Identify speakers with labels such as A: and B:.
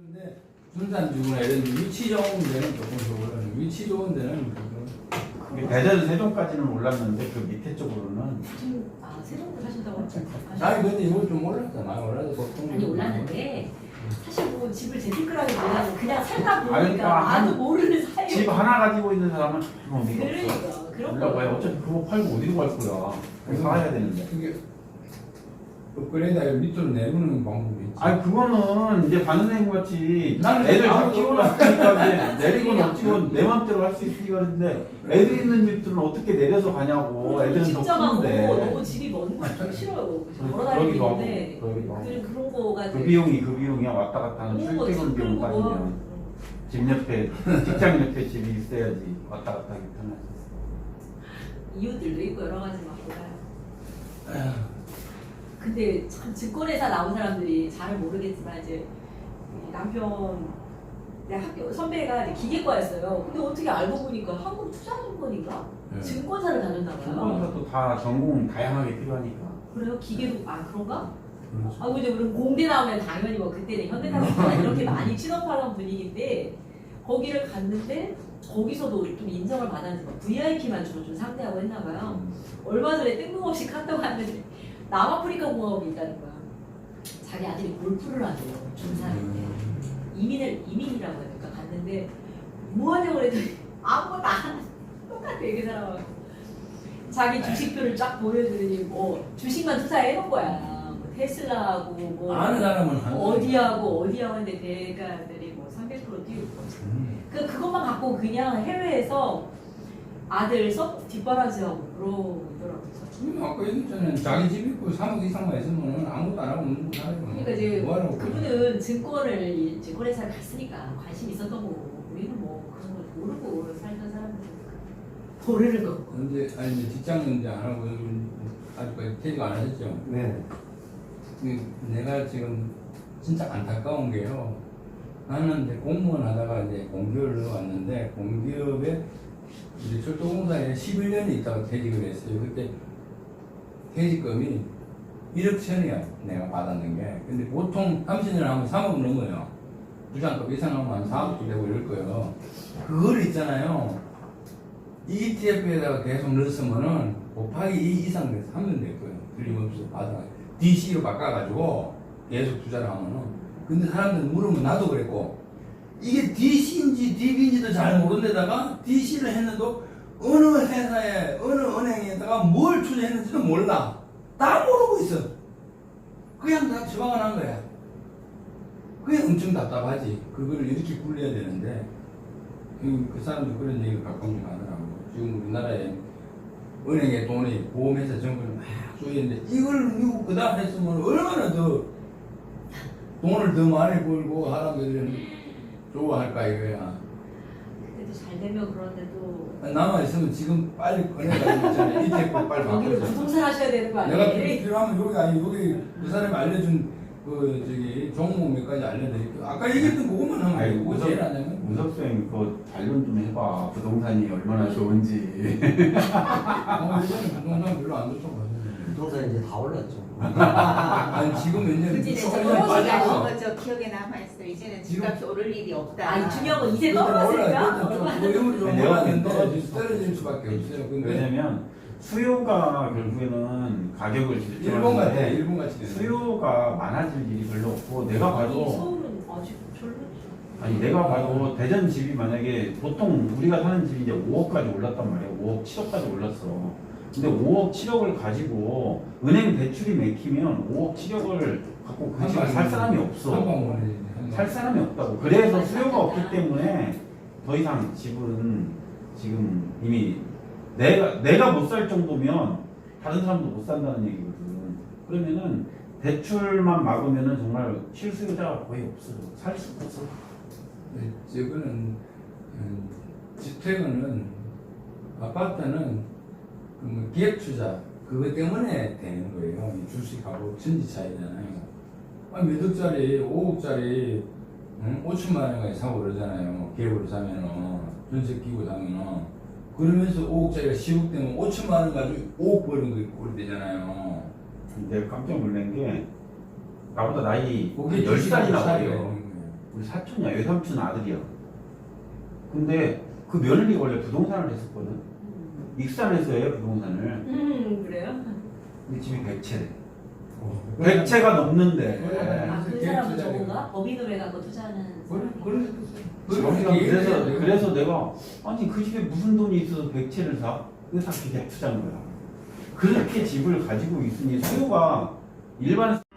A: 근데 군산주구나 이런 위치 좋은 데는 조금 더 올라요. 위치 좋은 데는
B: 대전 세종까지는 올랐는데 그 밑에 쪽으로는
C: 지금 세종도 하신다고 했죠?
A: 아니 근데 이거 좀 올랐잖아. 올라서 보통
C: 아니 올랐는데 사실 뭐 집을 재테크라기 몰라서 그냥 살다
B: 아니,
C: 보니까
B: 그러니까
C: 나도 모르는 사이에
B: 집 하나 가지고 있는 사람은 그런 의미가
C: 그러니까
B: 없어.
C: 그런
B: 올라가야
C: 거
B: 어차피 그거 팔고 어디로 갈 거야. 그래서 사야 되는데.
A: 이게 업그레이드 밑으로 내리는 방법이 있지.
B: 아니 그거는 이제 바느님 같이
A: 나는
B: 애들 다
A: 아무것도
B: 키워놨으니까 이제 내리건 어찌건 내 맘대로 할 수 있으니까 그런데 애들 있는 집들은 어떻게 내려서 가냐고. 애들은 더
C: 직접하고
B: 크는데.
C: 너무 집이 먼 거 좀 싫어요.
B: 그러기도
C: 걸어 다니기
B: 하고,
C: 때문에
B: 그러기도 하고.
C: 그런 거가
B: 그 비용이야. 왔다 갔다 하는 출퇴근 비용 따지면 집 옆에 직장 옆에 집이 있어야지 왔다 갔다 하기 편하지.
C: 이유들도 있고 여러 가지 막 몰라요.
A: 에휴,
C: 근데 참 증권회사 나온 사람들이 잘 모르겠지만 이제 남편 내 학교 선배가 이제 기계과였어요. 근데 어떻게 알고 보니까 한국투자증권인가
A: 네.
C: 증권사를 다녔나 봐요.
B: 증권사도 다 전공 다양하게 필요하니까.
C: 그래요? 기계도 그런가?
A: 그렇죠.
C: 이제 우리 공대 나오면 당연히 뭐 그때는 현대사회가 이렇게 많이 취업하던 분위기인데 거기를 갔는데 거기서도 좀 인정을 받았는데 VIP만 주로 좀 상대하고 했나 봐요. 얼마 전에 뜬금없이 카톡 왔는데 남아프리카 공화국이 있다는 거야. 자기 아들이 골프를 하대요. 중산인데 이민이라고 해야 될까 갔는데 뭐 하냐고 그랬더니 아무것도 안 하는 똑같아 그 사람하고 자기 주식표를 쫙 보여주더니 뭐 주식만 투자해 놓은 거야. 뭐 테슬라하고 뭐
A: 아는 사람은 하는
C: 어디하고 했는데 대가들이 뭐 300% 뛰고 그것만 갖고 그냥 해외에서 아들 뒷바라지하고 그러더라고요.
A: 아까 얘기했잖아요. 자기 집 있고 3억 이상만 있으면 아무것도 안 하고 먹는 거 살아요.
C: 그러니까 이제
A: 뭐하라고
C: 그분은 증권회사를 갔으니까 관심 있었던 거고 우리는 뭐 그런 걸 모르고 살던 사람들 모르는 거.
A: 근데 아니 직장은 이제 안 하고 아직까지 퇴직 안 하셨죠?
B: 네.
A: 내가 지금 진짜 안타까운 게요. 나는 이제 공무원 하다가 이제 공기업을 왔는데 공기업에 이제 철도공사에 11년이 있다가 퇴직을 했어요. 그때 퇴직금이 1억 천이야 내가 받았는 게. 근데 보통 30년 하면 3억 넘어요. 부장급 이상 하면 한 4억도 되고 이럴 거예요. 그걸 있잖아요. ETF에다가 계속 넣었으면은 곱하기 2 이상 돼서 하면 될 거예요. 틀림없이 받아. DC로 바꿔가지고 계속 투자를 하면은. 근데 사람들 물으면 나도 그랬고 이게 DC인지 DB인지도 잘 모르는 데다가 DC를 했는데도 어느 회사에 어느 은행에다가 뭘 투자했는지도 몰라. 다 모르고 있어. 그냥 다 처방을 한 거야. 그게 엄청 답답하지. 그거를 이렇게 굴려야 되는데 그 사람도 그런 얘기를 가끔씩 하더라고. 지금 우리나라에 은행에 돈이 보험회사 정보를 막 쏘이는데 이걸 미국 그다음 했으면 얼마나 더 돈을 더 많이 벌고 사람들은 좋아할까 이거야.
C: 그때도 잘 되면 그런데도
A: 남아 있으면 지금 빨리 꺼내가지고 있잖아. ETF 빨리
C: 여기를
A: 바꿔서.
C: 부동산 하셔야 되는 거
A: 내가
C: 아니에요?
A: 필요하면 여기 아니 여기 그 사람이 알려준 그 저기 종목 몇 가지 알려드릴게요. 아까 얘기했던 그것만 하면
B: 아니,
A: 되고 제일 안 되면.
B: 문석쌤 그거 반론 좀 해봐. 부동산이 얼마나 좋은지.
A: 이제는 부동산 별로 안 좋다고 하시는데.
D: 부동산 이제 다 올랐죠.
A: 아니 지금 왠지
E: 그치, 네,
A: 조금
E: 떨어지지
A: 빠졌어.
E: 않은 거저 기억에 남아있어. 이제는 집값이 오를 일이 없다.
C: 중요한 건 이제
A: 그때
C: 떨어졌으니까
A: 보험을 좀
B: 내가
A: 올랐는데
B: 떨어질
A: 떨어질 수밖에 없어요. 근데
B: 왜냐면 수요가 결국에는 가격을
A: 일본
B: 결정하는
A: 같아.
B: 건데
A: 일본 같이 되네.
B: 수요가 많아질 일이 별로 없고 내가
C: 아니
B: 봐도
C: 서울은 아직 별로죠.
B: 아니 내가 봐도 대전 집이 만약에 보통 우리가 사는 집이 이제 5억까지 올랐단 말이야. 5억 7억까지 올랐어. 근데 5억 7억을 가지고 은행 대출이 맥히면 5억 7억을 갖고 그 집을 살 사람이 없어. 살 사람이 없다고. 그래서 수요가 없기 때문에 더 이상 집은 지금 이미 내가 못 살 정도면 다른 사람도 못 산다는 얘기거든. 그러면은 대출만 막으면은 정말 실수요자가 거의 없어. 살 수가 없어.
A: 지금은 주택은 아파트는 그 기획 투자 그것 때문에 되는 거예요. 이 주식하고 천지 차이잖아요. 몇 억짜리, 5억짜리 5천만 원까지 사고 그러잖아요. 기획으로 사면은 전세 끼고 사면은 그러면서 5억짜리가 10억 되면 5천만 원 가지고 5억 버는 거 꼴이 되잖아요.
B: 내가 깜짝 놀란 게 나보다 나이
A: 그게
B: 10살이나
A: 차이가
B: 어려.
A: 있는 거예요.
B: 우리 사촌이야, 외삼촌 아들이야. 근데 그 며느리가 원래 부동산을 했었거든. 익산에서 해요, 부동산을.
C: 그래요?
B: 근데 집이 100채래. 100채가 넘는데.
C: 아, 그 사람은 저건가? 법인으로 해갖고 투자하는 사람이.
B: 그래서 내가 아니 그 집에 무슨 돈이 있어서 100채를 사? 이거 다 기대 투자인 거야. 그렇게 집을 가지고 있으니 소유가 일반